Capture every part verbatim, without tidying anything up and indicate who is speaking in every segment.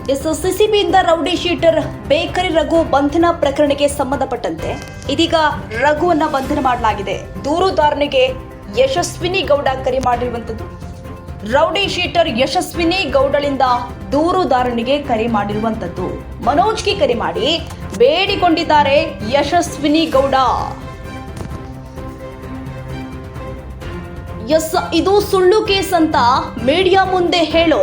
Speaker 1: S ಸಿಸಿಬಿಯಿಂದ rowdy sheeter bakery Raghu ಬಂಧನ ಪ್ರಕರಣಕ್ಕೆ ಸಂಬಂಧಪಟ್ಟಂತೆ ಇದೀಗ ರಘುವನ್ನ ಬಂಧನ ಮಾಡಲಾಗಿದೆ. ದೂರುದಾರನಿಗೆ ಯಶಸ್ವಿನಿ ಗೌಡ ಕರೆ ಮಾಡಿರುವಂತದ್ದು. ರೌಡಿ ಶೀಟರ್ ಯಶಸ್ವಿನಿ ಗೌಡಳಿಂದ ದೂರುದಾರನಿಗೆ ಕರೆ ಮಾಡಿರುವಂತದ್ದು. ಮನೋಜ್ಗೆ ಕರೆ ಮಾಡಿ ಬೇಡಿಕೊಂಡಿದ್ದಾರೆ ಯಶಸ್ವಿನಿ ಗೌಡ. ಎಸ್ ಇದು ಸುಳ್ಳು ಕೇಸ್ ಅಂತ ಮೀಡಿಯಾ ಮುಂದೆ ಹೇಳೋ.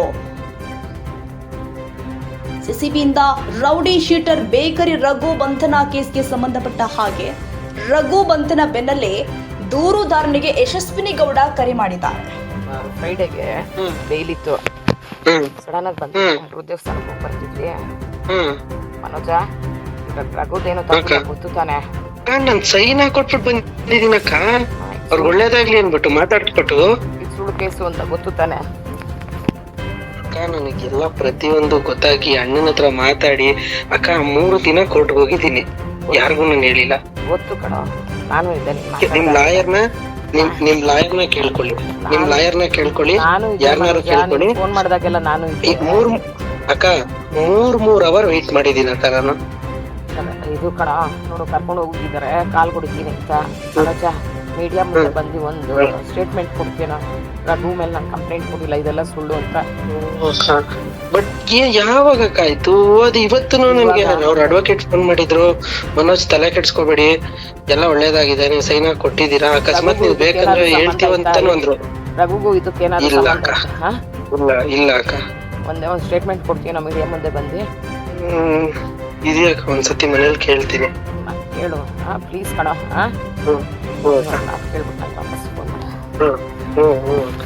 Speaker 1: ಸಿಸಿಬಿಯಿಂದ ರೌಡಿ ಶೀಟರ್ ಬೇಕರಿ ರಘು ಬಂಧನ ಕೇಸ್ಗೆ ಸಂಬಂಧಪಟ್ಟ ಹಾಗೆ ರಘು ಬಂಧನ ಬೆನ್ನಲ್ಲೇ ದೂರುದಾರನಿಗೆ ಯಶಸ್ವಿನಿ ಗೌಡ ಕರೆ ಮಾಡಿದ್ದಾರೆ.
Speaker 2: ಫ್ರೈಡೆಗೆ ಬೇಲ್ ಇತ್ತು, ಸಡನ್ ಆಗಿ ಬಂದು ದೇವಸ್ಥಾನಕ್ಕೆ ಹೋಗಿ ಬರ್ತಿದ್ವಿ. ಮನೋಜ, ರಘುದೇನು ತಪ್ಪಿಲ್ಲ ಗೊತ್ತು ತಾನೆ.
Speaker 3: ನಾನ್ ಸೈನ್ ಹಾಕೊಟ್ಬಿಟ್ಟು ಬಂದಿದ್ದೀನಕ್ಕ, ಅವ್ರಿಗೆ ಒಳ್ಳೇದಾಗ್ಲಿ ಅನ್ಬಿಟ್ಟು ಮಾತಾಡ್ಬಿಟ್ಟು.
Speaker 2: ಇದು ಸುಳ್ಳು ಕೇಸು ಅಂತ ಗೊತ್ತು ತಾನೆ.
Speaker 3: ಅಕ್ಕ ನನಗೆಲ್ಲ ಪ್ರತಿಯೊಂದು ಗೊತ್ತಾಗಿ ಅಣ್ಣನ ಹತ್ರ ಮಾತಾಡಿ ಅಕ್ಕ ಮೂರು ದಿನ ಕೋರ್ಟ್ಗೆ ಹೋಗಿದ್ದೀನಿ, ಯಾರಿಗೂ ನಾನು ಹೇಳಿಲ್ಲ.
Speaker 2: ಗೊತ್ತು ಕಣ, ನಾನು ಇದ್ದೇನೆ.
Speaker 3: ನಿಮ್ ಲಾಯರ್ನ ನಿಮ್ ನಿಮ್ ಲಾಯರ್ನ ಕೇಳ್ಕೊಳ್ಳಿ, ನಿಮ್ ಲಾಯರ್ನ ಕೇಳ್ಕೊಳ್ಳಿ, ಯಾರನ್ನಾರು ಕೇಳ್ಕೊಳ್ಳಿ.
Speaker 2: ಫೋನ್ ಮಾಡಿದಾಗೆಲ್ಲ ನಾನು
Speaker 3: ಮೂರ್ ಅಕ್ಕ ಮೂರ್ ಮೂರ್ ಅವರ್ ವೇಟ್ ಮಾಡಿದೀನಿ ಅಕ್ಕ ನಾನು.
Speaker 2: ಇದು ಕಣ ನೋಡು, ಕರ್ಕೊಂಡು ಹೋಗಿದ್ದಾರೆ, ಕಾಲ್ ಕೊಡ್ತೀನಿ ಅಂತ. ಮನೋಜ, ಮೀಡಿಯಾ ಮುಂದೆ ಬಂದು ಒಂದು ಸ್ಟೇಟ್ಮೆಂಟ್ ಕೊಡ್ತೀನೋ, ರಘು ಮೇಲೆ ನಾನು ಕಂಪ್ಲೇಂಟ್ ಕೊಡಿಲ್ಲ, ಇದೆಲ್ಲ ಸುಳ್ಳು ಅಂತ.
Speaker 3: ಬಟ್ ಯಾವಾಗ ಆಯ್ತು ಅದು? ಇವತ್ತು ನನ್ಗೆ ಅವ್ರ ಅಡ್ವೊಕೇಟ್ ಫೋನ್ ಮಾಡಿದ್ರು, ಮನೋಜ್ ತಲೆ ಕೆಡ್ಸ್ಕೊಬೇಡಿ, ಎಲ್ಲ ಒಳ್ಳೇದಾಗಿದೆ, ನೀವು ಸೈನ್ ಹಾಕಿ ಕೊಟ್ಟಿದ್ದೀರಾ, ಅಕಸ್ಮಾತ್ ನೀವು ಬೇಕಂದ್ರೆ ಹೇಳ್ತೀವಂತಾನು ಅಂದ್ರು.
Speaker 2: ರಘುಗೂ ಇದಕ್ಕೇನಾದ್ರು
Speaker 3: ಇಲ್ಲ ಅಕ್ಕ, ಇಲ್ಲ ಇಲ್ಲ ಅಕ್ಕ,
Speaker 2: ಒಂದೇ ಒಂದು ಸ್ಟೇಟ್ಮೆಂಟ್ ಕೊಡ್ತೀನೋ ಮೀಡಿಯಾ ಮುಂದೆ ಬಂದು.
Speaker 3: ಹ್ಮ್ ಇದೆಯಕ್ಕ, ಒಂದ್ಸತಿ ಮನೇಲಿ ಕೇಳ್ತೀನಿ.
Speaker 2: ಕೇಳು ಹಾ ಪ್ಲೀಸ್ ಕಣ. ಹಾ
Speaker 3: ಹ್ಮ್ ಹ್ಮ್
Speaker 2: ಕೇಳ್ಬಿಟ್ಟು ನಾನು ವಾಪಸ್ ಫೋನ್ ಮಾಡಿ.
Speaker 3: ಹ್ಮ್ ಹ್ಮ್ ಹ್ಮ್